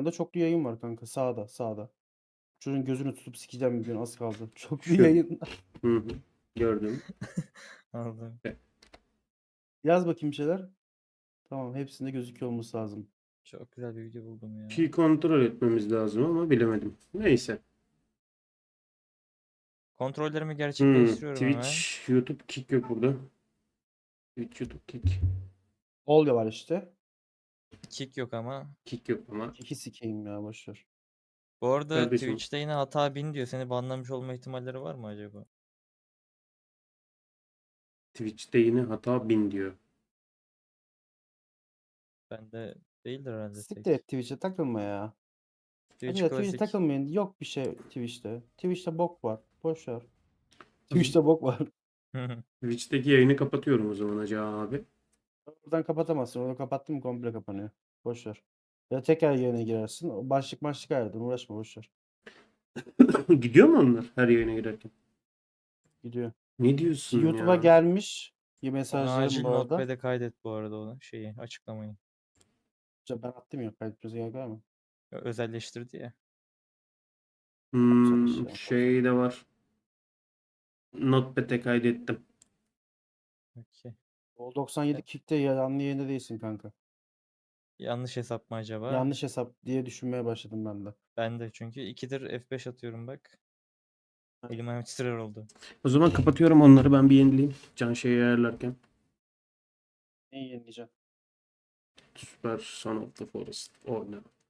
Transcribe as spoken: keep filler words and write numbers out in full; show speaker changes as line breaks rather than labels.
yanında çoklu yayın var kanka. Sağda sağda. Çocuğun gözünü tutup sikeceğim bir gün az kaldı. Çoklu
Şu.
yayın.
Hı hı. Gördüm.
Aldım.
Yaz bakayım bir şeyler. Tamam hepsinde gözüküyor olması lazım.
Çok güzel bir video buldum ya.
Ki kontrol etmemiz lazım ama bilemedim. Neyse.
Kontrollerimi
Hmm,
gerçekleştiriyorum hemen.
Twitch, YouTube, Kick yok burada. Twitch, YouTube, Kick.
Olga var işte.
Kick yok ama.
Kick yok ama.
İki sikeyim ya boşver.
Bu arada
Kardeşim.
Twitch'te yine hata bin diyor. Seni banlamış olma ihtimalleri var mı acaba?
Twitch'te yine hata bin diyor.
Bende değildir herhalde
Siktir
tek.
et Twitch'e takılma ya.
Twitch
Hadi ya Twitch'e
klasik.
takılmayın. Yok bir şey Twitch'te. Twitch'te bok var. Boş ver. Twitch'te bok var.
Twitch'teki yayını kapatıyorum o zaman Hacı abi.
Oradan kapatamazsın. Onu kapattın mı komple kapanıyor. Boş ver. Ya tekrar yayına girersin. O başlık başlık ayırdın. Uğraşma boş ver.
Gidiyor mu onlar her yayına girerken?
Gidiyor.
Ne diyorsun
YouTube'a
ya?
gelmiş.
Onu
Mesajlarım
acil
bu arada.
notepad'e kaydet bu arada onu şeyi açıklamayı.
Ben attım ya. Kaydetmesi gerek var mı?
Özelleştirdi ya.
Hmm,
Güzel iş ya.
şey de var. Notepad'e kaydettim.
Okey.
O doksan yedi Kick'te yanlı yayında değilsin kanka.
Yanlış hesap mı acaba?
Yanlış hesap diye düşünmeye başladım ben de.
Ben de çünkü ikidir F beş atıyorum bak. Elim ayağım titrer oldu.
O zaman kapatıyorum onları, ben bir yenileyim. Can şeyi ayarlarken.
Neyi yenileyeceğim?
Super Son of the Forest oyna.